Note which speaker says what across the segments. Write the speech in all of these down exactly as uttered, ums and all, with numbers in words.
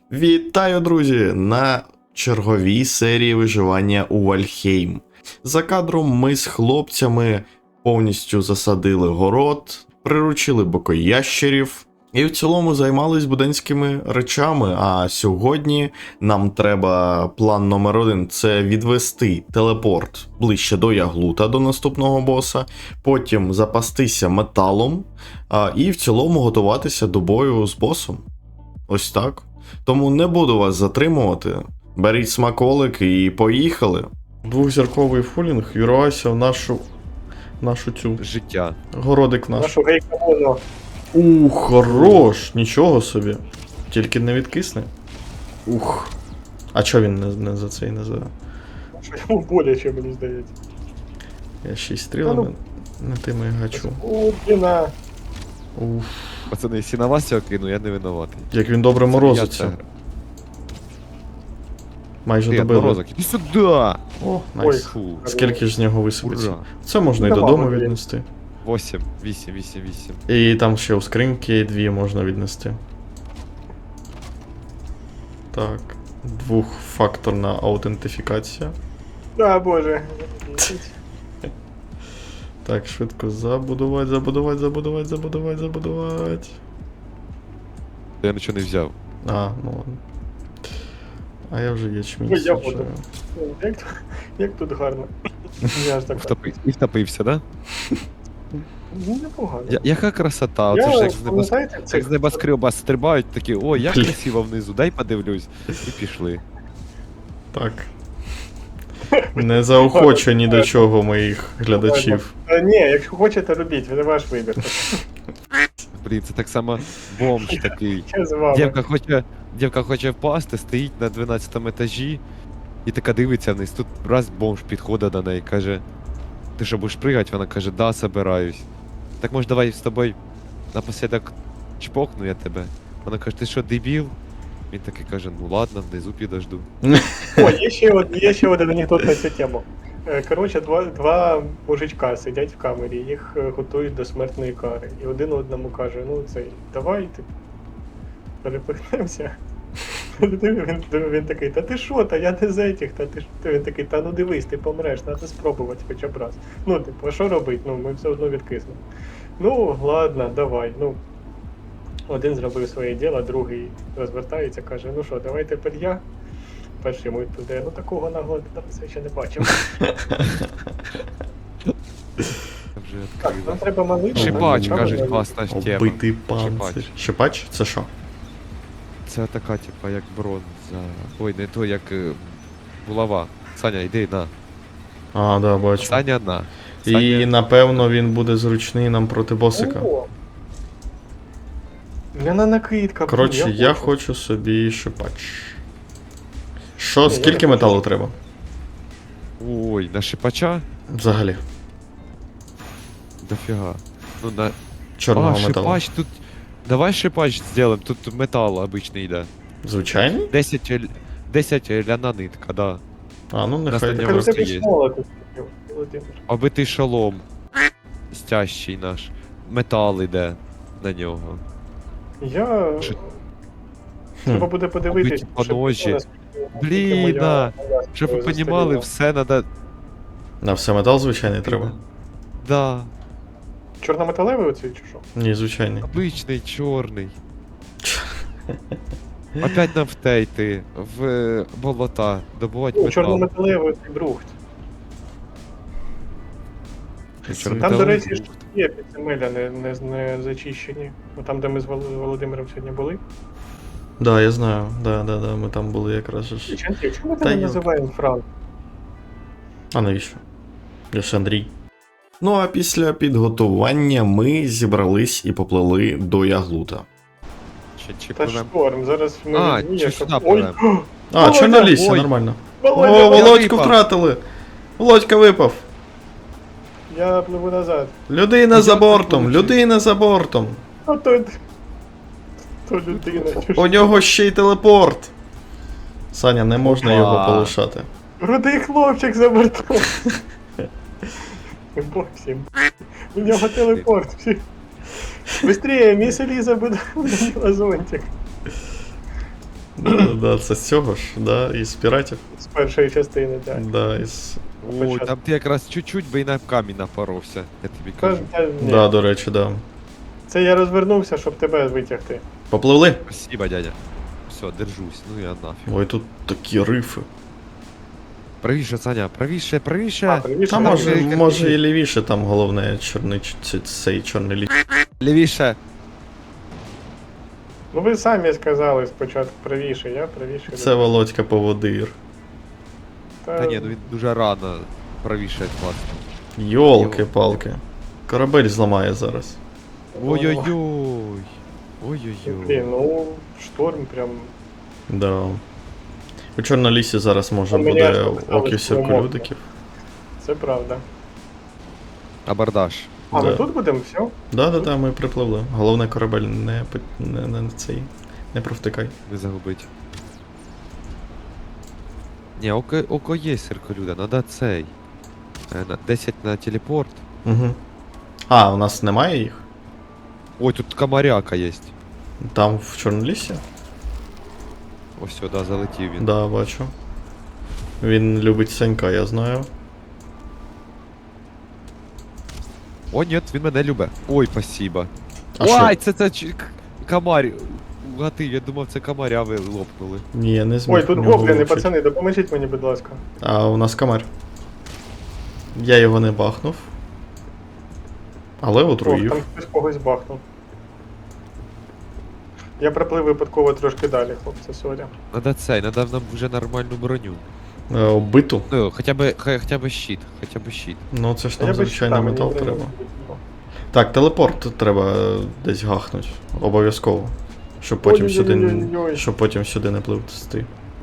Speaker 1: Вітаю, друзі, на черговій серії виживання у Вальхейм. За кадром ми з хлопцями повністю засадили город, приручили бокоящерів і в цілому займались буденськими речами. А сьогодні нам треба план номер один – це відвести телепорт ближче до Яглута, до наступного боса, потім запастися металом а, і в цілому готуватися до бою з босом. Ось так. Тому не буду вас затримувати. Беріть смаколик і поїхали. Двохзірковий фулінг вірвався в нашу нашу цю
Speaker 2: життя.
Speaker 1: Городик наш.
Speaker 3: Нашу гейкамону.
Speaker 1: Ух, хорош, нічого собі. Тільки не відкисне. Ух. А чо він не, не за цей не за.
Speaker 3: Що йому боляче, мені здається.
Speaker 1: Я ще й стрілами не тими гачу.
Speaker 3: Уркіна.
Speaker 1: Уф.
Speaker 2: Пацани, якщо на вас цього кину, я не винуватий.
Speaker 1: Як він добре морозиться. Майже
Speaker 2: Привіт,
Speaker 1: добили.
Speaker 2: морозок, іди сюди!
Speaker 1: О,
Speaker 3: Ой.
Speaker 1: найс.
Speaker 2: Фу.
Speaker 1: Скільки ж з нього висипеться?
Speaker 2: Ура.
Speaker 1: Це можна і
Speaker 3: Ну,
Speaker 1: додому
Speaker 3: мало, блін.
Speaker 1: віднести.
Speaker 2: Восім, вісім, вісім, вісім.
Speaker 1: І там ще у скриньки дві можна віднести. Так. Двохфакторна аутентифікація.
Speaker 3: А, боже.
Speaker 1: Так, швидко забудувати, забудувати, забудувати, забудувати, забудувати.
Speaker 2: Я нічого не взяв.
Speaker 1: А, ну ладно. А я вже ячмінь
Speaker 3: Ой, я
Speaker 1: саджаю.
Speaker 3: буду. Як, тут- як тут гарно. Я ж так.
Speaker 2: Втопив, і втопився, да?
Speaker 3: Ну, непогано.
Speaker 2: Я, яка красота, оце ж
Speaker 3: Я,
Speaker 2: як з, небос...
Speaker 3: пам'ятаєте,
Speaker 2: як
Speaker 3: цих
Speaker 2: з небоскреба стрибають, такі, ой, як
Speaker 1: Блін.
Speaker 2: красиво внизу, дай подивлюсь. І пішли.
Speaker 1: Так. Не заохочу ні до чого моїх глядачів.
Speaker 3: Та ні, якщо хочете, робіть, це ваш вибір.
Speaker 2: Блін, це так само бомж такий.
Speaker 3: Я з вами.
Speaker 2: Дівка хоче, дівка хоче впасти, стоїть на дванадцятому етажі і така дивиться вниз. Тут раз бомж підходить до неї, каже: ти що, будеш пригати? Вона каже: да, собираюсь. Так може давай з тобою напослідок чпокну я тебе. Вона каже: ти що, дебіл? Він такий каже: ну ладно, внизу підожду.
Speaker 3: О, є ще, од- є ще один анекдот на цю тему. Е, Коротше, два, два мужичка сидять в камері, їх е, готують до смертної кари. І один одному каже: ну цей, давай ти перепихнемося. Він, він такий, та ти що, та я не з етіх, та ти ж. Він такий, та ну дивись, ти помреш, треба спробувати хоча б раз. Ну, типу, а що робити? Ну, ми все одно відкиснемо. Ну, ладно, давай. Ну, один зробив своє діло, другий розвертається, каже: ну що, давай тепер я. Перший йому туди, ну такого нагоди я ще не бачив.
Speaker 2: Вже
Speaker 3: Так, нам
Speaker 2: відкрила.
Speaker 3: треба малити.
Speaker 2: Шипач,
Speaker 3: нам
Speaker 2: кажуть,
Speaker 3: треба-
Speaker 2: класна ж тема.
Speaker 1: Оббитий панцир.
Speaker 2: Шипач.
Speaker 1: Шипач? Це що?
Speaker 2: Це така, типа, як бронза. Ой, не то, як е, булава. Саня, йди на.
Speaker 1: А, да, бачу.
Speaker 2: Саня на.
Speaker 1: І
Speaker 2: Саня...
Speaker 1: напевно він буде зручний нам проти босика.
Speaker 3: О! Мене накидка. блін,
Speaker 1: Коротше, я хочу собі шипач. Що,
Speaker 3: Ні,
Speaker 1: скільки
Speaker 3: я не
Speaker 1: металу
Speaker 3: хочу.
Speaker 1: треба?
Speaker 2: Ой, на шипача?
Speaker 1: Взагалі.
Speaker 2: Дофіга. Ну на...
Speaker 1: Чорного
Speaker 2: а,
Speaker 1: металу.
Speaker 2: шипач тут... Давай шипач зробимо, тут метал обичний йде.
Speaker 1: Звичайний?
Speaker 2: десять, л- десять ляна нитка, да.
Speaker 1: А, ну
Speaker 2: Нас
Speaker 1: нехай.
Speaker 2: на
Speaker 3: Так,
Speaker 2: нього
Speaker 3: у тебе
Speaker 2: є.
Speaker 3: смола тут, Володимир.
Speaker 2: Обитий шолом. Стящий наш. Метал іде на нього.
Speaker 3: Я...
Speaker 2: Чи-
Speaker 3: Треба буде подивитись.
Speaker 2: Побиті
Speaker 3: що
Speaker 2: поножі.
Speaker 3: наскільки- наскільки
Speaker 2: Блін,
Speaker 3: моя-
Speaker 2: да.
Speaker 3: моя
Speaker 2: Щоб ви
Speaker 3: застаріла.
Speaker 2: понімали, все надо...
Speaker 1: На все метал звичайний треба?
Speaker 2: Да.
Speaker 3: Чорнометалевий оцей чи що?
Speaker 1: Ні, звичайний.
Speaker 2: Обичний, чорний. Опять нам втейти в е, болота, добувати
Speaker 3: Ну,
Speaker 2: метал.
Speaker 3: чорнометалевий оцей брухт. Там, до
Speaker 2: Чорнометалевий
Speaker 3: речі,
Speaker 2: брухт.
Speaker 3: ж є підземелля не, не, не зачищені. Ну, там, де ми з Вол- Володимиром сьогодні були.
Speaker 1: Да, я знаю. Да, да, да, ми там були якраз ж.
Speaker 3: Ченті, чому ми
Speaker 1: Та
Speaker 3: тебе
Speaker 1: йо.
Speaker 3: називаємо Франк?
Speaker 1: А навіщо? Я ж Андрій. Ну а після підготування ми зібрались і поплили до Яглута.
Speaker 2: Чи, чи
Speaker 3: Та
Speaker 2: пливем?
Speaker 3: шторм, зараз ми
Speaker 2: А,
Speaker 3: відміє,
Speaker 2: чи
Speaker 3: щоб-
Speaker 2: сюди
Speaker 3: Ой,
Speaker 2: пливем?
Speaker 1: А,
Speaker 3: Володя,
Speaker 1: чорна лісі,
Speaker 2: ой.
Speaker 1: нормально.
Speaker 3: Володя,
Speaker 1: О,
Speaker 3: Володя,
Speaker 1: Володьку
Speaker 2: випав.
Speaker 1: втратили! Володька випав!
Speaker 3: я пливу назад.
Speaker 1: Людина за
Speaker 2: Як
Speaker 1: бортом,
Speaker 2: так вийшло?
Speaker 1: людина за бортом.
Speaker 3: А то... То людина. чи що?
Speaker 1: У нього ще й телепорт. Саня, не можна
Speaker 2: Опа.
Speaker 1: його полишати.
Speaker 3: Рудий хлопчик за бортом. Боксим. У нього телепорт. всі. Быстрее, міс Еліза буде зонтик.
Speaker 1: Да, да, це з цього ж, да, із піратів.
Speaker 3: З першої частини, так.
Speaker 1: Да, із...
Speaker 2: Ой,
Speaker 3: Початку.
Speaker 2: там ти якраз чуть-чуть би і на камінь напоровся, я тобі
Speaker 3: Та,
Speaker 2: кажу.
Speaker 3: та, ні.
Speaker 1: Да, до речі, да.
Speaker 3: Це я розвернувся, щоб тебе витягти.
Speaker 1: Попливли?
Speaker 2: Спасибо, дядя. Все, держусь, ну я нафіг.
Speaker 1: Ой, тут такі рифи.
Speaker 2: Правіше, Саня, правіше,
Speaker 3: А,
Speaker 2: правіше.
Speaker 3: привіт,
Speaker 1: Та
Speaker 3: що
Speaker 1: може,
Speaker 3: там?
Speaker 2: як
Speaker 1: може
Speaker 2: ти?
Speaker 1: і лівіше, там головне чорний ч- ц- цей чорний ліс.
Speaker 2: Лівіше.
Speaker 3: Ну ви самі сказали спочатку правіше, я правіше.
Speaker 1: Це Володька поводир.
Speaker 3: Та,
Speaker 2: Та ні, ну він дуже рано правіше класно.
Speaker 1: Йолки-палки. Корабель зламає зараз.
Speaker 2: Ой-ой-ой.
Speaker 3: Блін,
Speaker 2: Ой-ой-ой.
Speaker 3: ну шторм прям.
Speaker 1: Да. У Чорнолісі зараз може
Speaker 3: А мені
Speaker 1: буде
Speaker 3: аж показалось,
Speaker 1: оків
Speaker 3: що
Speaker 1: сірколюдиків.
Speaker 3: Це правда.
Speaker 2: Абордаж.
Speaker 3: А ми
Speaker 1: Да.
Speaker 3: тут будемо, все?
Speaker 1: Да-да-да, ми припливли. Головне корабель не, пи- не, не, цей. Не провтикай.
Speaker 2: Не загубить. Ні, око, око є сирколюда, надо цей. Е, на десять на телепорт.
Speaker 1: Угу. А, у нас немає їх?
Speaker 2: Ой, тут комаряка є.
Speaker 1: Там в Чорнолісі?
Speaker 2: Ось сюди залетів він.
Speaker 1: Да, бачу. Він любить Санька, я знаю.
Speaker 2: О, ні, він мене любить. Ой, спасибо.
Speaker 1: А
Speaker 2: Ой,
Speaker 1: що?
Speaker 2: це це ч- к- комар. Гатив, я думав, це комаря ви лопнули.
Speaker 1: Ні, я не зміг.
Speaker 3: Ой, тут
Speaker 1: в нього
Speaker 3: гобліни,
Speaker 1: влучити.
Speaker 3: пацани, допоможіть мені, будь ласка.
Speaker 1: А у нас комар. Я його не бахнув. Але
Speaker 3: Ох,
Speaker 1: отруїв.
Speaker 3: там хтось когось бахнув. Я приплив випадково трошки далі, хлопці, сорі.
Speaker 2: Надо цей, надо нам вже нормальну броню.
Speaker 1: Е, Оббиту.
Speaker 2: Ну, хоча б, хай- хоча б щит, хоча б щит.
Speaker 1: Ну це ж
Speaker 3: А я
Speaker 1: там
Speaker 3: без
Speaker 1: звичайно
Speaker 3: щита, мені
Speaker 1: метал
Speaker 3: броню
Speaker 1: треба.
Speaker 3: не потрібно.
Speaker 1: Так, телепорт треба десь гахнуть. Обов'язково. Щоб потім сюди. н-
Speaker 3: Ой-ой-ой-ой-ой.
Speaker 1: Щоб потім сюди не пливти.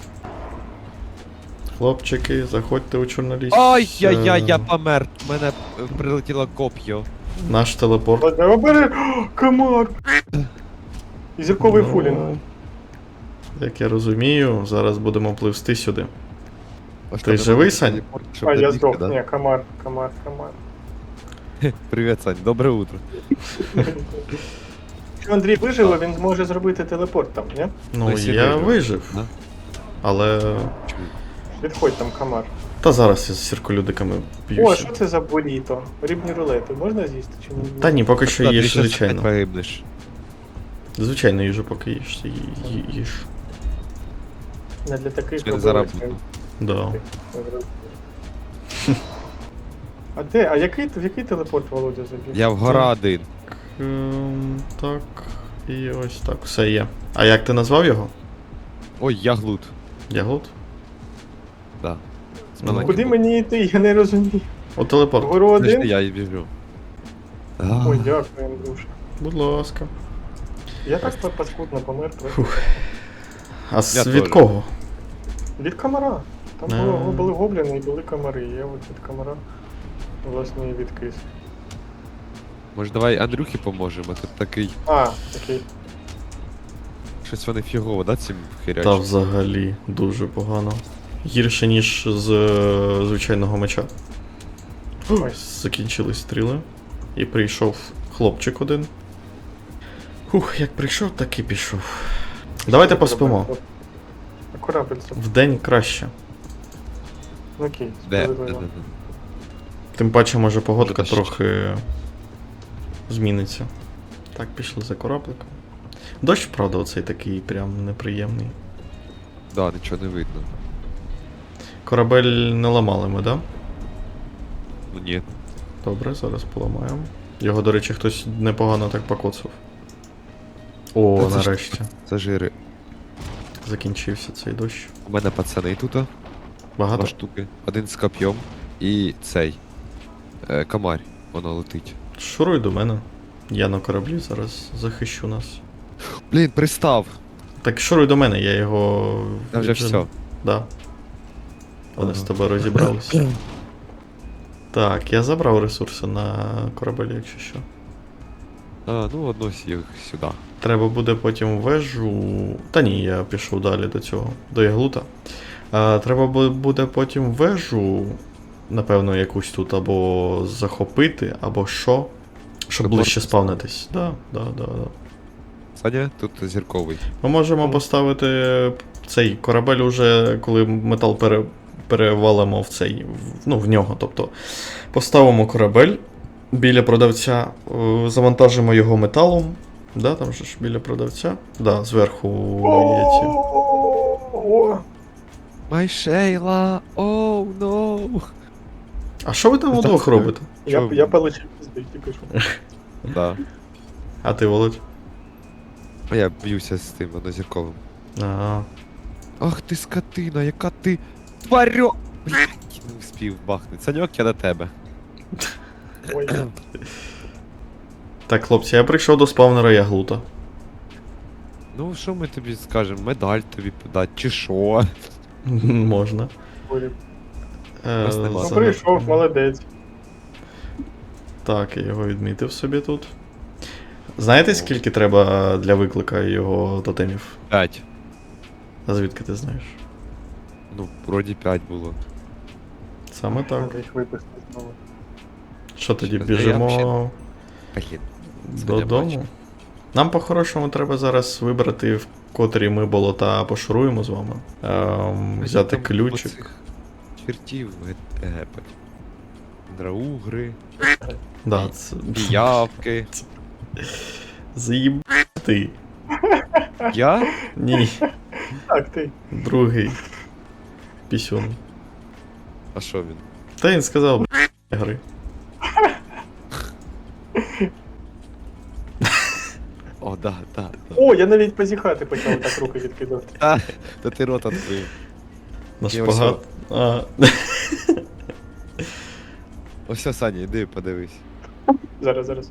Speaker 1: Хлопчики, заходьте у Чорноліс.
Speaker 2: Ай, я, я,
Speaker 1: Е,
Speaker 2: я помер. У мене е, прилетіло коп'ю.
Speaker 1: Наш телепорт.
Speaker 3: Ладно, обери! О, комар! І зірковий
Speaker 1: Ну,
Speaker 3: фулінг.
Speaker 1: Як я розумію, зараз будемо пливсти сюди.
Speaker 2: А
Speaker 1: Ти живий, Сань?
Speaker 2: Щоб
Speaker 3: А,
Speaker 2: не
Speaker 3: я
Speaker 2: бігти,
Speaker 3: здох.
Speaker 2: да?
Speaker 3: Ні, комар, комар, комар.
Speaker 2: Привіт, Сань, добре утро.
Speaker 3: Якщо Андрій виживе, він зможе зробити телепорт там, ні?
Speaker 1: Ну,
Speaker 2: якщо
Speaker 1: я
Speaker 2: вижив,
Speaker 1: вижив.
Speaker 2: да?
Speaker 1: Але.
Speaker 2: Чую.
Speaker 3: Відходь там, комар.
Speaker 1: Та зараз я з сірколюдиками
Speaker 3: О,
Speaker 1: б'юся.
Speaker 3: що це за буріто? Рибні рулети можна з'їсти чи ні?
Speaker 1: Та ні, поки що
Speaker 2: Та, ти
Speaker 1: їж
Speaker 2: щас
Speaker 1: звичайно.
Speaker 2: опять погибнеш.
Speaker 1: Звичайно, їжу поки їж. Ї- ї- Їж.
Speaker 3: Не для таких
Speaker 2: Я не
Speaker 3: робилось,
Speaker 2: заработав.
Speaker 1: Да.
Speaker 3: А де? А який, в який телепорт Володя забіг?
Speaker 2: Я в гора один.
Speaker 1: Ем, так. І ось так, все є. А як ти назвав його?
Speaker 2: Ой, я глут.
Speaker 1: Ягод?
Speaker 2: Да. З
Speaker 1: Ну,
Speaker 2: маленьким
Speaker 3: Куди
Speaker 2: глутом.
Speaker 3: мені йти? Я не розумію.
Speaker 1: О, телепорт.
Speaker 3: Вгору
Speaker 2: Подожди,
Speaker 3: один?
Speaker 2: я і біжу.
Speaker 3: Ой, дякую, Андрюша.
Speaker 1: Будь ласка.
Speaker 3: Я так па- паскудно помер просто.
Speaker 1: А з
Speaker 2: Я
Speaker 1: від
Speaker 2: теж.
Speaker 1: кого?
Speaker 3: Від комара. Там
Speaker 1: А.
Speaker 3: було, були гобліни і були комари. Я от від комара власне і відкис.
Speaker 2: Може давай Андрюхі поможемо, тут такий.
Speaker 3: А, окей.
Speaker 2: Щось вони фігово, да, цим
Speaker 1: Та
Speaker 2: хирячим?
Speaker 1: взагалі дуже погано. Гірше, ніж з е, звичайного меча.
Speaker 3: Ой.
Speaker 1: Закінчились стріли. І прийшов хлопчик один. Ух, як прийшов, так і пішов. Давайте поспимо.
Speaker 3: А корабель це.
Speaker 1: Вдень краще.
Speaker 3: Ну, окей,
Speaker 2: Де? Де,
Speaker 3: справедливо.
Speaker 2: де, де?
Speaker 1: Тим паче, може погодка
Speaker 2: Може,
Speaker 1: трохи зміниться. Так, пішли за корабликом. Дощ, правда, оцей такий прям неприємний.
Speaker 2: Да, нічого не видно.
Speaker 1: Корабель не ламали ми, да?
Speaker 2: Ну ні.
Speaker 1: Добре, зараз поламаємо. Його, до речі, хтось непогано так покоцав. О,
Speaker 2: Та це ж-
Speaker 1: нарешті.
Speaker 2: Це жири.
Speaker 1: Закінчився цей дощ.
Speaker 2: У мене пацани тут, два
Speaker 1: Багато?
Speaker 2: штуки. Один з коп'єм і цей. Е, комарь, воно летить.
Speaker 1: Шуруй до мене. Я на кораблі зараз захищу нас.
Speaker 2: Блін, пристав.
Speaker 1: Так шуруй до мене, я його.
Speaker 2: Та вже
Speaker 1: віджену.
Speaker 2: все.
Speaker 1: Да. Вони
Speaker 2: Ага.
Speaker 1: з тобою розібралися. Так, я забрав ресурси на корабель, якщо що.
Speaker 2: А, ну однось їх сюди.
Speaker 1: Треба буде потім вежу. Та ні, я пішов далі до цього, до Яглута. А, треба бу- буде потім вежу, напевно, якусь тут або захопити, або що. Щоб
Speaker 2: Телепорт
Speaker 1: ближче спавнитись. Да, да, да, да.
Speaker 2: Саня, тут зірковий.
Speaker 1: Ми можемо поставити цей корабель уже, коли метал пере, перевалимо в цей, в- ну, в нього. Тобто поставимо корабель біля продавця, е, завантажимо його металом. Да, там же ж біля продавця. Да, зверху є ці.
Speaker 3: О,
Speaker 2: Май Шейла, оу, ноу.
Speaker 1: А що ви там
Speaker 2: Ну,
Speaker 1: удвох
Speaker 2: так,
Speaker 1: робите?
Speaker 3: Я,
Speaker 2: Чо?
Speaker 3: я получив пизди, тільки що.
Speaker 2: Да.
Speaker 1: А ти, Володь?
Speaker 2: А я б'юся з тим однозірковим.
Speaker 1: А,
Speaker 2: Ах ти скотина, яка ти тварьо! Блять, не вспів бахнути. Саньок, я до тебе.
Speaker 3: Ой,
Speaker 1: так, хлопці, я прийшов до спавнера Яглута.
Speaker 2: Ну, що ми тобі скажемо? Медаль тобі подати, чи що?
Speaker 1: Можна.
Speaker 3: ой.
Speaker 1: Е,
Speaker 2: Нас нема.
Speaker 3: Ну
Speaker 1: за-
Speaker 3: прийшов, молодець.
Speaker 1: Так, я його відмітив собі тут. Знаєте, скільки треба для виклика його тотемів?
Speaker 2: П'ять.
Speaker 1: А звідки ти знаєш?
Speaker 2: Ну, вроді п'ять було.
Speaker 1: Саме так.
Speaker 3: Треба їх випустити знову.
Speaker 1: Що тоді,
Speaker 2: Щас, я
Speaker 1: біжимо
Speaker 2: взагалі- Блін.
Speaker 1: додому?
Speaker 2: бачу.
Speaker 1: Нам по-хорошому треба зараз вибрати, в котрі ми болота пошуруємо з вами. Ем, взяти
Speaker 2: Там
Speaker 1: ключик.
Speaker 2: оцих Чертів ге- гепать. Драугри,
Speaker 1: Да, це...
Speaker 2: піявки.
Speaker 1: Заїбати.
Speaker 2: Я?
Speaker 1: Ні,
Speaker 3: Так, ти.
Speaker 1: другий. Пісюн.
Speaker 2: А що він?
Speaker 1: Та він сказав, б**, гри.
Speaker 2: О, да, да, да.
Speaker 3: О, я навіть позіхати почав так руки відкидати.
Speaker 2: Та, та ти рот відкрив.
Speaker 1: На
Speaker 2: Ні,
Speaker 1: шпагат. А,
Speaker 2: Ось, Саня, іди подивись.
Speaker 3: Зараз, зараз.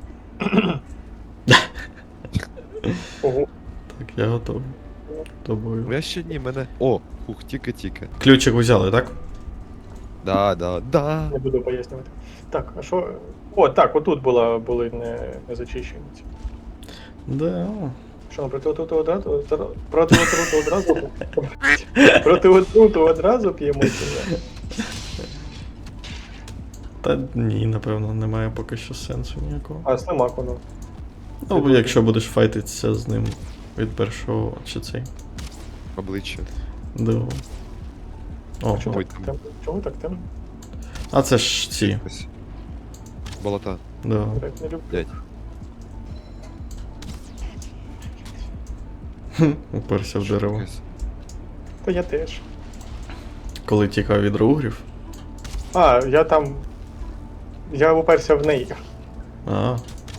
Speaker 3: Ого.
Speaker 1: так, я готовий. Тобою.
Speaker 2: Я ще ні, мене. О, хух, тільки-тільки.
Speaker 1: Ключик взяли, так?
Speaker 2: Да, да, да.
Speaker 3: Не буду пояснювати. Так, а що. О, так, отут була, були не, не зачищені. ці.
Speaker 1: Да.
Speaker 3: Що, ну, проти отруту одразу? Проти отруту одразу? Проти отруту одразу п'ємо чи ні?
Speaker 1: Та ні, напевно, немає поки що сенсу ніякого.
Speaker 3: А, слимак воно.
Speaker 1: Ну, якщо будеш файтитися з ним від першого чи цей.
Speaker 2: Обличчя.
Speaker 1: Да. О,
Speaker 3: Чому
Speaker 2: Ой,
Speaker 3: так
Speaker 2: там.
Speaker 3: темно? Чому так темно?
Speaker 1: а це ж ці.
Speaker 2: Ось. Болота.
Speaker 1: Да.
Speaker 3: Так не люблю.
Speaker 2: Блять.
Speaker 1: Хм, Уперся в дерево.
Speaker 3: Та я теж.
Speaker 1: Коли тікав від ругрів.
Speaker 3: А, я там. Я уперся в неї.
Speaker 1: А.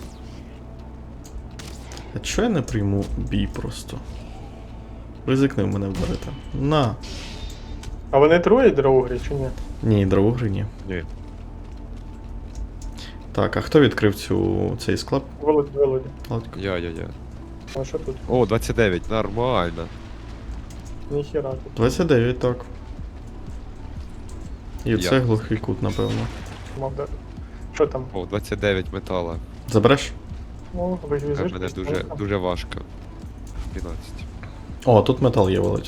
Speaker 1: А чого я не прийму бій просто? Ризикни мене вдарити. На.
Speaker 3: А вони троє драугрі чи ні?
Speaker 1: Ні, дровогри ні.
Speaker 2: Ні.
Speaker 1: Так, а хто відкрив цю цей склад?
Speaker 3: Володь, Володя.
Speaker 1: Ладно.
Speaker 2: Я, я, я.
Speaker 3: А що тут?
Speaker 2: О, двадцять дев'ять, нормально.
Speaker 3: Ніхіра тут.
Speaker 1: двадцять дев'ять, так. І
Speaker 2: Я.
Speaker 1: це глухий кут, напевно.
Speaker 3: Мав дати. Що там?
Speaker 2: О, двадцять дев'ять метала.
Speaker 1: Забереш?
Speaker 3: Ну, ви ж
Speaker 2: Для
Speaker 3: візиш.
Speaker 2: мене дуже, дуже важко. дванадцять.
Speaker 1: О, тут метал є, Володь.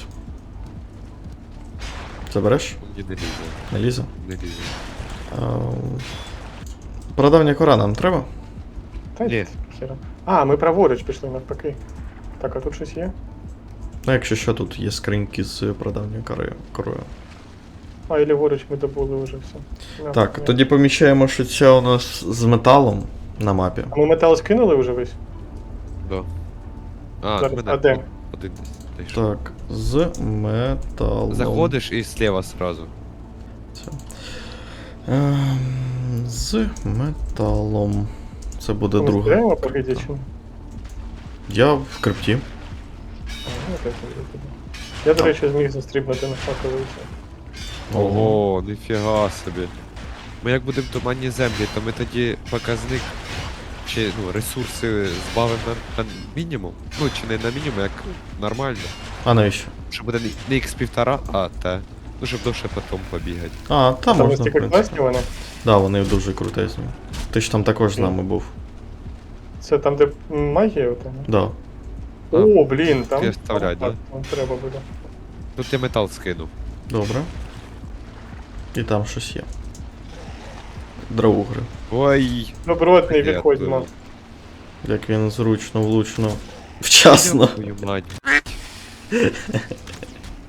Speaker 1: Забереш?
Speaker 2: Мені не лізе.
Speaker 1: Не лізе?
Speaker 2: Не лізе.
Speaker 1: Ем, Прадавня кора нам треба?
Speaker 3: Та
Speaker 2: Ні.
Speaker 3: ні. Хіра. А, ми праворуч пішли навпаки. Так, а тут щось є?
Speaker 1: Ну, якщо що, тут є скриньки з прадавньою корою. корою.
Speaker 3: А, і ліворуч ми добули вже все. Ну,
Speaker 1: Так,
Speaker 3: ні.
Speaker 1: тоді поміщаємо, що це у нас з металом на мапі.
Speaker 3: А ми метал скинули вже весь?
Speaker 2: Да. А,
Speaker 3: Зараз,
Speaker 2: мене
Speaker 3: а де?
Speaker 2: один десь. знайшов.
Speaker 1: Так, з металом.
Speaker 2: Заходиш і слева сразу.
Speaker 1: Це. Ем, з металом. Це буде
Speaker 3: Ми
Speaker 1: друга.
Speaker 3: збираємо пакеті чи ні?
Speaker 1: Я в крипті.
Speaker 3: А, ну, так, я туди. Я, до речі, зміг застрибнути на шаковий.
Speaker 2: Ого, ніфіга собі. Ми як будемо в туманній землі, то ми тоді показник чи ну, ресурси збавимо на, на мінімум. Ну, чи не на мінімум, як нормально.
Speaker 1: А навіщо?
Speaker 2: Щоб буде не- не ікс півтора, а те. Ну, щоб довше потім побігати.
Speaker 1: А, та
Speaker 3: Там
Speaker 1: можна, в
Speaker 3: настільки
Speaker 1: принципі.
Speaker 3: класні вони.
Speaker 1: Да, вони дуже крутезні. Ти ж там також з нами був.
Speaker 3: Це там, де м, магія ота? ні?
Speaker 1: Да.
Speaker 2: А,
Speaker 3: О, блін, там.
Speaker 2: я вставляю,
Speaker 3: там,
Speaker 2: да?
Speaker 3: Там треба буде.
Speaker 2: Тут я метал скинув.
Speaker 1: Добре. І там щось є. Драугри.
Speaker 2: Ой!
Speaker 3: Добротний
Speaker 2: Я
Speaker 3: відходимо.
Speaker 2: тут.
Speaker 1: Як він зручно, влучно, вчасно.
Speaker 2: Твою мать.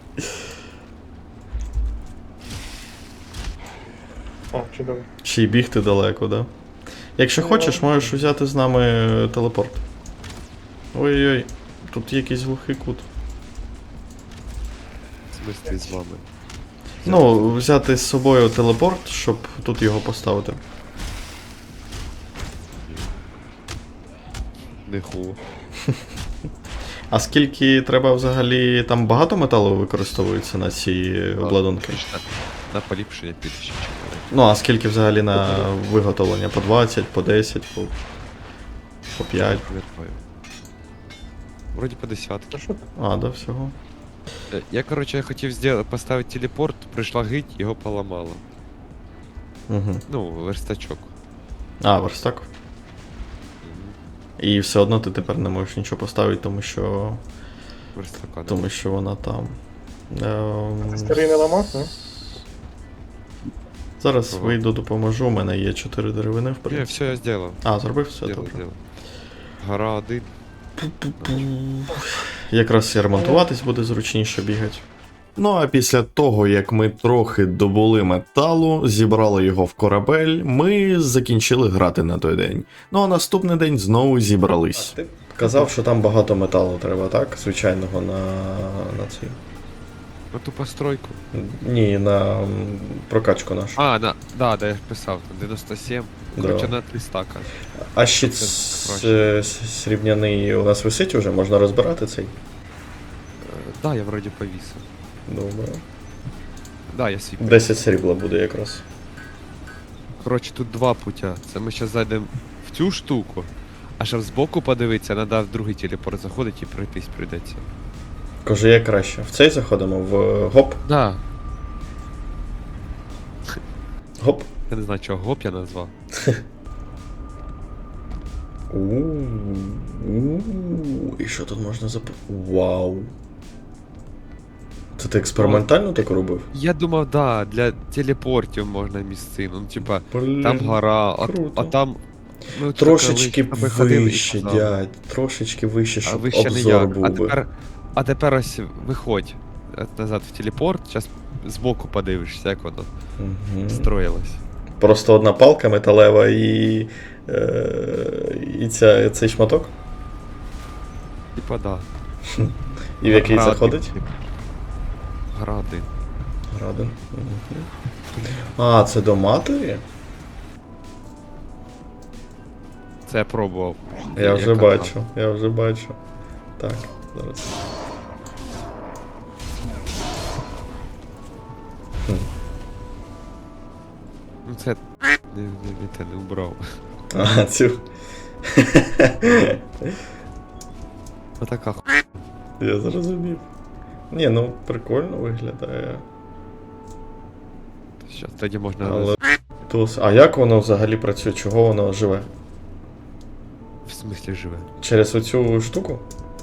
Speaker 3: А, чудово.
Speaker 1: Ще й бігти далеко, да? Якщо
Speaker 3: Ну,
Speaker 1: хочеш, можеш взяти з нами телепорт. Ой-ой-ой, тут якийсь глухий кут.
Speaker 2: В смислі з вами.
Speaker 1: Ну, взяти з собою телепорт, щоб тут його поставити.
Speaker 2: Не ху.
Speaker 1: А скільки треба взагалі, там багато металу використовується на ці обладунки?
Speaker 2: На, на поліпшення піде ще чотири.
Speaker 1: Ну, а скільки взагалі на виготовлення? По двадцять, по десять, по, по п'ять?
Speaker 2: Пам'ятаю. Вроді по десятки.
Speaker 3: Ну що ти?
Speaker 1: А, да, всього.
Speaker 2: Е, Я, короче, хотів сделать, поставити телепорт, прийшла гить, його поламало.
Speaker 1: Угу.
Speaker 2: Ну, верстачок.
Speaker 1: А, верстак.
Speaker 2: Мгм.
Speaker 1: І все одно ти тепер не можеш нічого поставити, тому що.
Speaker 2: Верстака. не
Speaker 1: Тому що вона там. Ем...
Speaker 3: Старий не ламав, не?
Speaker 1: Зараз
Speaker 2: Ага.
Speaker 1: вийду, допоможу. У мене є чотири деревини в
Speaker 2: Не,
Speaker 1: принципі.
Speaker 2: все я сделал.
Speaker 1: А, зробив все
Speaker 2: Сделал,
Speaker 1: добре.
Speaker 2: сделал. Гора один.
Speaker 1: Якраз і ремонтуватись буде зручніше бігати. Ну а після того, як ми трохи добули металу, зібрали його в корабель, ми закінчили грати на той день. Ну а наступний день знову зібрались. Ти казав, що там багато металу треба, так? Звичайного на, на цій.
Speaker 2: На ту постройку.
Speaker 1: Ні, на м, прокачку нашу.
Speaker 2: А, на, да, да, я ж писав, дев'яносто сім.
Speaker 1: Да.
Speaker 2: Короче, на три стака.
Speaker 1: А щит
Speaker 2: Це
Speaker 1: с-
Speaker 2: краще.
Speaker 1: с- срібняний у нас висить уже, можна розбирати цей?
Speaker 2: Е, Да, я вроді повісив.
Speaker 1: Добре.
Speaker 2: Да, я свій.
Speaker 1: десять срібла буде якраз.
Speaker 2: Коротше, тут два путя. Це ми зараз зайдемо в цю штуку, а щоб збоку подивитися, треба в другий телепорт заходити і пройтись прийдеться.
Speaker 1: Каже, як краще. В цей заходимо, в гоп.
Speaker 2: Да.
Speaker 1: Гоп.
Speaker 2: Я не знаю, чого гоп я назвав.
Speaker 1: У-у-у. І що тут можна зап... Вау. Це ти експериментально так робив?
Speaker 2: Я думав, да, для телепортів можна місцину. Ну, типа,
Speaker 1: Блін.
Speaker 2: там гора, а,
Speaker 1: круто.
Speaker 2: а там. Ми тут
Speaker 1: Трошечки
Speaker 2: коли з тобою ходили і
Speaker 1: вище,
Speaker 2: казали.
Speaker 1: дядь. Трошечки вище,
Speaker 2: А
Speaker 1: щоб
Speaker 2: вище не
Speaker 1: обзор
Speaker 2: як.
Speaker 1: був
Speaker 2: А
Speaker 1: би.
Speaker 2: тепер, а тепер ось виходь е, назад в телепорт, зараз збоку подивишся, як воно
Speaker 1: Мгм.
Speaker 2: строїлось.
Speaker 1: Просто одна палка металева і. Е... І ця, цей шматок?
Speaker 2: Типа, да.
Speaker 1: І в який
Speaker 2: Гра
Speaker 1: заходить?
Speaker 2: один, типу. Гра один.
Speaker 1: Градин. Мгм. А, це до матері?
Speaker 2: Це я пробував.
Speaker 1: Я вже
Speaker 2: Яка
Speaker 1: бачу, я вже бачу. Так, зараз. Хм.
Speaker 2: Ну це не, не, не те не убрав.
Speaker 1: А, цю.
Speaker 2: Отака ху...
Speaker 1: Я зрозумів. Ні, ну прикольно виглядає.
Speaker 2: Щас тоді можна.
Speaker 1: Але. Тус. А як воно взагалі працює? Чого воно живе?
Speaker 2: В смислі живе.
Speaker 1: Через оцю штуку?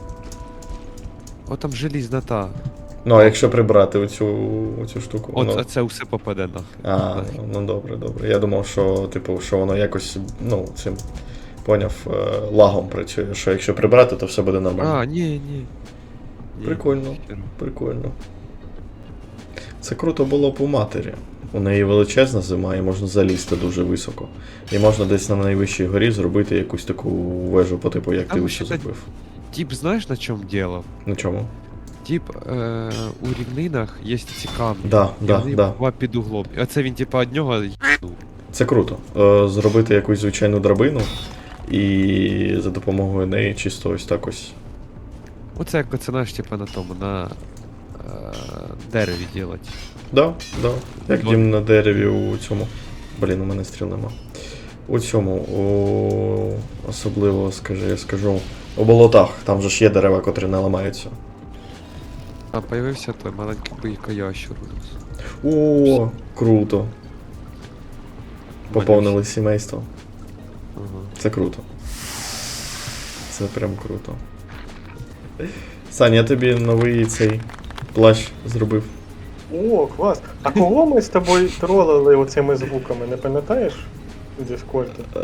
Speaker 2: О, там желізна та.
Speaker 1: Ну, а якщо прибрати оцю, оцю штуку,
Speaker 2: От
Speaker 1: воно...
Speaker 2: а це все попаде нахер.
Speaker 1: А,
Speaker 2: Нахер.
Speaker 1: ну добре, добре. Я думав, що, типу, що воно якось, ну, цим, поняв, е, лагом працює, що якщо прибрати, то все буде нормально.
Speaker 2: А, ні, ні. Ні,
Speaker 1: Прикольно.
Speaker 2: хер.
Speaker 1: Прикольно. Це круто було б у матері. У неї величезна зима і можна залізти дуже високо. І можна десь на найвищій горі зробити якусь таку вежу по типу, як
Speaker 2: Там
Speaker 1: ти ось
Speaker 2: ще
Speaker 1: зробив.
Speaker 2: Тип, знаєш на чому діло?
Speaker 1: На чому?
Speaker 2: Тип, е, у рівнинах є ці камні.
Speaker 1: Да,
Speaker 2: І
Speaker 1: да,
Speaker 2: вони
Speaker 1: да.
Speaker 2: два під углом. І оце він, типа, од нього їбнув.
Speaker 1: Це круто. Е, зробити якусь звичайну драбину і за допомогою неї чисто ось так ось.
Speaker 2: Оце як оце, знаєш, типа на тому, на е, дереві ділать.
Speaker 1: Да, да. Як
Speaker 2: Ну,
Speaker 1: дім на дереві у цьому. Блін, у мене стріл нема. У цьому, у... особливо, скажи, я скажу, у болотах, там же ж є дерева, котрі не ламаються.
Speaker 2: Там появився той маленький бойка ящур у нас.
Speaker 1: О, круто. Поповнили сімейство.
Speaker 2: Ага.
Speaker 1: Це круто. Це прям круто. Сань, я тобі новий цей плащ зробив.
Speaker 3: О, клас. А кого ми з тобою тролили оцими звуками, не пам'ятаєш? У Дискорді?
Speaker 1: Е,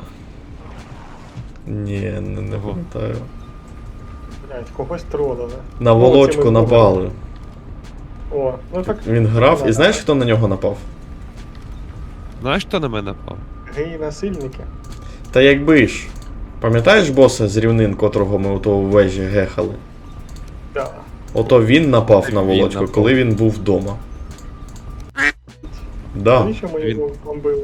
Speaker 1: Ні, не, не
Speaker 2: Ого.
Speaker 1: пам'ятаю.
Speaker 3: Блять, когось тролили.
Speaker 1: На
Speaker 3: Ну,
Speaker 1: волочку
Speaker 3: оцими
Speaker 1: напали.
Speaker 3: О, ну так.
Speaker 1: Він грав, і
Speaker 3: Ну,
Speaker 1: знаєш,
Speaker 3: да.
Speaker 1: хто на нього напав?
Speaker 2: Знаєш, хто на мене напав?
Speaker 3: Геї-насильники.
Speaker 1: Та якби ж. Пам'ятаєш боса з рівнин, котрого ми у того в вежі гехали?
Speaker 3: Да.
Speaker 1: Ото він напав
Speaker 2: Так
Speaker 1: на
Speaker 2: він
Speaker 1: Володьку,
Speaker 2: напав.
Speaker 1: коли він був вдома. Да,
Speaker 3: Навіщо ми
Speaker 2: він-
Speaker 3: його бомбили?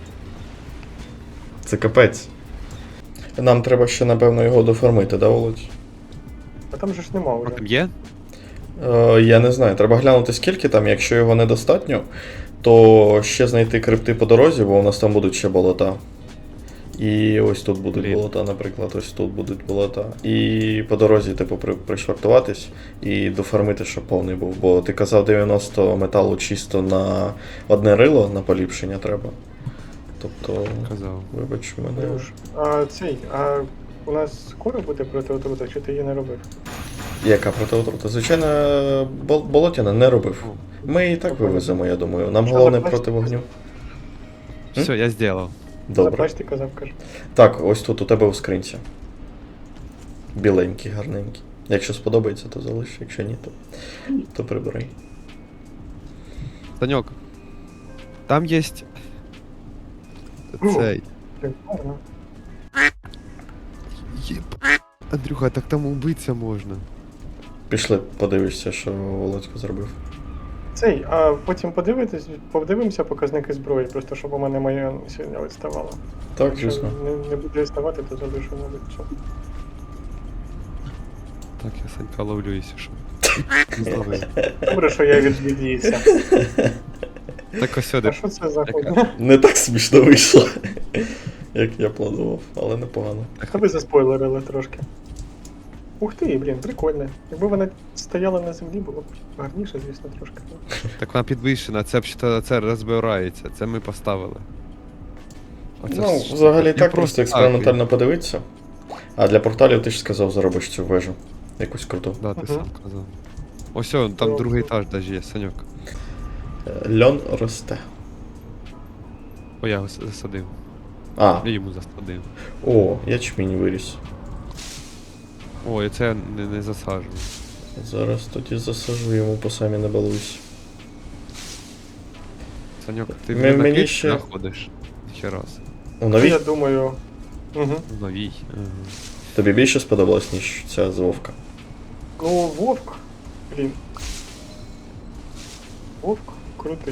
Speaker 1: це капець. Нам треба ще, напевно, його дофармити, да, Володь?
Speaker 3: А там же ж нема
Speaker 2: А
Speaker 3: вже.
Speaker 2: там є?
Speaker 1: Е, я не знаю, треба глянути скільки там, якщо його недостатньо, то ще знайти крипти по дорозі, бо у нас там будуть ще болота. І ось тут будуть
Speaker 2: Блін.
Speaker 1: болота, наприклад, ось тут будуть болота. І по дорозі, типу, при, пришвартуватись і дофармити, щоб повний був. Бо ти казав дев'яносто металу чисто на одне рило на поліпшення треба. Тобто,
Speaker 2: Казав.
Speaker 1: вибач мене.
Speaker 3: Андрюш, а цей, а у нас скоро буде проти отрута, чи ти її не робив?
Speaker 1: Яка протиотрута? Звичайно, бол- болотяна не робив. Ми і так вивеземо, я думаю. Нам
Speaker 3: Що
Speaker 1: головне
Speaker 3: за
Speaker 1: проти вогню.
Speaker 2: Все, я зробив.
Speaker 1: Добре.
Speaker 3: Заплач, ти казав, каже.
Speaker 1: Так, ось тут у тебе у скринці. Біленький, гарненький. Якщо сподобається, то залиш, якщо ні, то, то прибери.
Speaker 2: Саньок, там є цей.
Speaker 3: Блін, гарно.
Speaker 2: Єб. Андрюха, так там убитися можна.
Speaker 1: Пішли, подивишся, що Володько зробив.
Speaker 3: Цей, а потім подивитись, подивимося показники зброї, просто щоб у мене моя сьогодні відставала.
Speaker 1: Так,
Speaker 3: Якщо
Speaker 1: звісно.
Speaker 3: не, не буде відставати, то залишу, мабуть, все.
Speaker 2: Так, я Санька ловлю, якщо що. Зловив.
Speaker 3: Добре, що я відвідівся.
Speaker 2: Так ось
Speaker 3: А
Speaker 2: сюди.
Speaker 3: що це за
Speaker 2: Яка?
Speaker 3: хуйня?
Speaker 1: Не так смішно вийшло, як я планував, але непогано.
Speaker 3: Та ви заспойлерили трошки. Ух ти, блін, прикольно. Якби вона стояла на землі, було б гарніше, звісно, трошки.
Speaker 2: Так вона підвищена, це взагалі це розбирається, це ми поставили. Оце
Speaker 1: Ну,
Speaker 2: ж-
Speaker 1: взагалі
Speaker 2: я
Speaker 1: так, просто
Speaker 2: так,
Speaker 1: експериментально подивитися. А для порталів ти ж сказав, зробиш цю вежу. Якусь круту.
Speaker 2: Да, ти
Speaker 3: Мгм.
Speaker 2: сам казав. Ось о, там
Speaker 3: Ну,
Speaker 2: другий
Speaker 3: ну.
Speaker 2: етаж навіть є, Саньок.
Speaker 1: Е, Льон росте.
Speaker 2: О, я його с- засадив.
Speaker 1: А,
Speaker 2: Я йому засадив.
Speaker 1: о, ячмінь виріс.
Speaker 2: О, і це я не, не засаджую.
Speaker 1: Зараз тоді засажу йому по самі не балуйся.
Speaker 2: Саньок, ти
Speaker 1: Ми-
Speaker 2: вже на
Speaker 1: мені
Speaker 2: квітці
Speaker 1: ще-
Speaker 2: знаходиш? Ще раз.
Speaker 1: У новій?
Speaker 3: Я думаю. Угу.
Speaker 2: В новій. Ага.
Speaker 1: Тобі більше сподобалось, ніж ця з Вовка?
Speaker 3: Ну, Вовк, блін. Вовк крутий.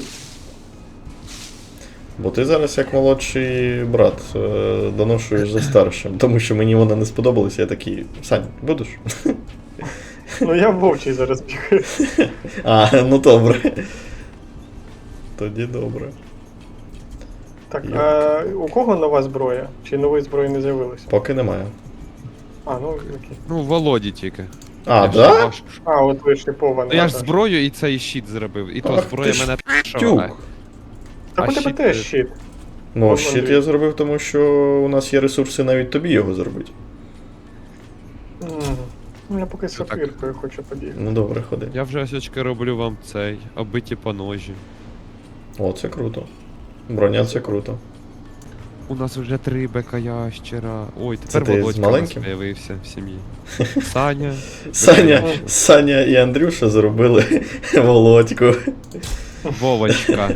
Speaker 1: Бо ти зараз як молодший брат е, доношуєш за старшим, тому що мені вона не сподобалась, я такий, Сань, будеш?
Speaker 3: Ну я вовчий зараз бігаю.
Speaker 1: А, ну добре. Тоді добре.
Speaker 3: Так,
Speaker 1: Я-
Speaker 3: а у кого нова зброя? Чи нової зброї не з'явилося?
Speaker 1: Поки немає.
Speaker 3: А, ну окей.
Speaker 2: Ну, Володі тільки.
Speaker 1: А,
Speaker 2: Я ж
Speaker 1: да?
Speaker 2: бачу, що-
Speaker 3: А, от ви шипована.
Speaker 2: Ну я ж зброю і цей щит зробив. І то
Speaker 1: Ах
Speaker 2: зброя
Speaker 1: ти ж
Speaker 2: мене
Speaker 1: Тюк.
Speaker 2: шовгає.
Speaker 3: Так
Speaker 2: а
Speaker 3: у тебе
Speaker 2: щит,
Speaker 3: теж
Speaker 2: е,
Speaker 3: щит.
Speaker 1: Ну,
Speaker 3: Вон
Speaker 1: щит
Speaker 3: Андрій.
Speaker 1: я зробив, тому що у нас є ресурси навіть тобі його зробити.
Speaker 3: М, Ну я поки
Speaker 2: Це так.
Speaker 3: сапіркою хочу побігти.
Speaker 1: Ну добре, ходи.
Speaker 2: Я вже осечки роблю вам цей, оббиті по ножі.
Speaker 1: О, це круто. Броня це круто.
Speaker 2: У нас вже три бека ящера. Ой, тепер
Speaker 1: ти з
Speaker 2: Володька у нас
Speaker 1: маленьким?
Speaker 2: з'явився в сім'ї. Саня.
Speaker 1: Саня,
Speaker 3: Мгм.
Speaker 1: Саня і Андрюша зробили Володьку.
Speaker 2: Вовочка.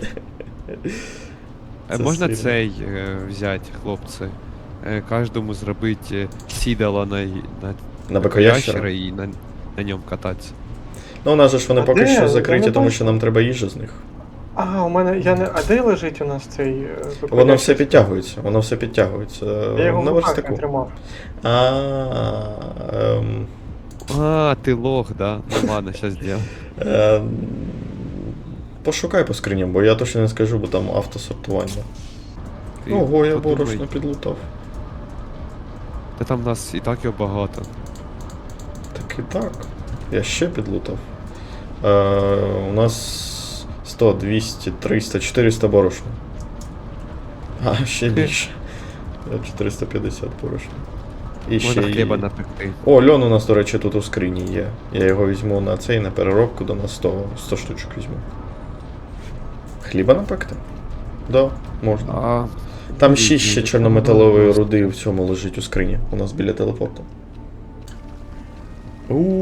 Speaker 2: Е,
Speaker 1: Це
Speaker 2: Можна
Speaker 1: сильно.
Speaker 2: цей е, взяти, хлопці? Е, Кожному зробити е, сідало на, й- на
Speaker 1: На
Speaker 2: бекоящера
Speaker 1: бекоящера.
Speaker 2: і на, на ньому кататися.
Speaker 1: Ну, у нас же ж вони
Speaker 3: А
Speaker 1: поки
Speaker 3: де?
Speaker 1: що
Speaker 3: Я
Speaker 1: закриті,
Speaker 3: не
Speaker 1: тому
Speaker 3: бачу.
Speaker 1: що нам треба їжа з них.
Speaker 3: А, у мене. Я не. А де лежить у нас цей. е,
Speaker 1: Воно
Speaker 3: виконавчий
Speaker 1: все
Speaker 3: стіл?
Speaker 1: підтягується, воно все підтягується.
Speaker 3: Я його
Speaker 1: На
Speaker 3: в руках не
Speaker 1: верстаку.
Speaker 3: тримав.
Speaker 1: А, ем,
Speaker 2: А, ти лох, да? Ну ладно, щас зробимо.
Speaker 1: ем, Пошукай по скриням, бо я точно не скажу, бо там автосортування.
Speaker 2: Ти
Speaker 1: Ого, я
Speaker 2: подумай.
Speaker 1: борошно підлутав.
Speaker 2: Та там в нас і так його багато.
Speaker 1: Так і так. Я ще підлутав. Е, у нас сто, двісті, триста, чотириста борошна. А, ще більше. чотириста п'ятдесят борошна. І ще
Speaker 2: Можна
Speaker 1: й-
Speaker 2: хліба напекти.
Speaker 1: О, льон у нас, до речі, тут у скрині є. Я його візьму на цей, на переробку, до нас сто, сто штучок візьму. Хліба напекти? Да, можна.
Speaker 2: А,
Speaker 1: Там
Speaker 2: ні,
Speaker 1: шість ще
Speaker 2: ні,
Speaker 1: чорнометалової
Speaker 2: ну,
Speaker 1: руди в цьому лежить у скрині. У нас біля телепорту.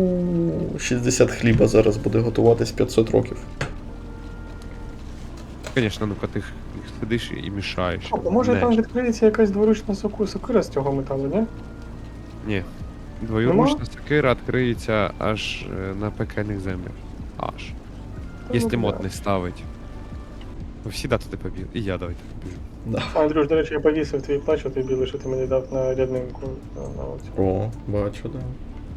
Speaker 1: Ууу, шістдесят хліба зараз буде готуватись п'ятсот років.
Speaker 2: Звісно, ну коли ти їх сидиш і мішаєш.
Speaker 3: А може
Speaker 2: Не.
Speaker 3: там відкриється якась дворучна соку, сокира з цього металу, ні?
Speaker 2: Ні. Двоюручна сокира відкриється аж е, на пекельних землях. Аж.
Speaker 3: Та
Speaker 2: Якщо
Speaker 3: ну,
Speaker 2: мод
Speaker 3: бля.
Speaker 2: не ставить. Ви всі да туди побіг. І я давайте побіжу.
Speaker 1: Да.
Speaker 3: А, Андрюш, до речі, я повісив твій плащ, той білий, що ти мені дав на ряднинку. На, на оцю.
Speaker 1: О, бачу, да.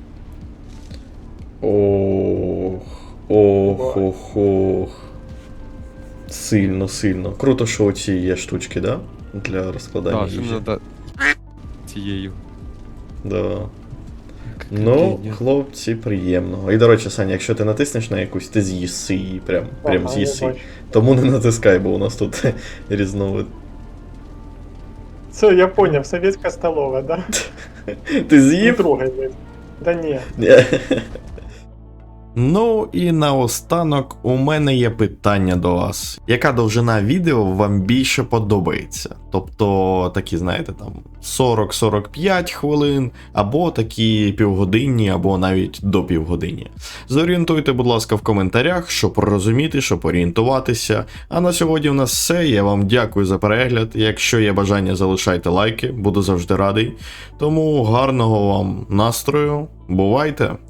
Speaker 1: Ох, ох, ох, ох. Сильно, сильно. Круто, що оці є штучки, да? Для розкладання
Speaker 2: Так, що
Speaker 1: їжі.
Speaker 2: не треба цією.
Speaker 1: Да. Ну,
Speaker 2: Кидіння.
Speaker 1: хлопці, приємно. І, до речі, Саня, якщо ти натиснеш на якусь, ти з'їси її, прям, прям
Speaker 3: Ага,
Speaker 1: з'їси.
Speaker 3: я бачу.
Speaker 1: Тому не натискай, бо у нас тут різновид.
Speaker 3: Це я поняв, совєтська столова, да?
Speaker 1: Ти
Speaker 3: Не
Speaker 1: з'їв?
Speaker 3: трогай, блядь. Да ні.
Speaker 1: Ні. Ну і наостанок у мене є питання до вас. Яка довжина відео вам більше подобається? Тобто такі, знаєте, там сорок сорок п'ять хвилин, або такі півгодинні, або навіть до півгодині. Зорієнтуйте, будь ласка, в коментарях, щоб розуміти, щоб орієнтуватися. А на сьогодні в нас все. Я вам дякую за перегляд. Якщо є бажання, залишайте лайки, буду завжди радий. Тому гарного вам настрою. Бувайте!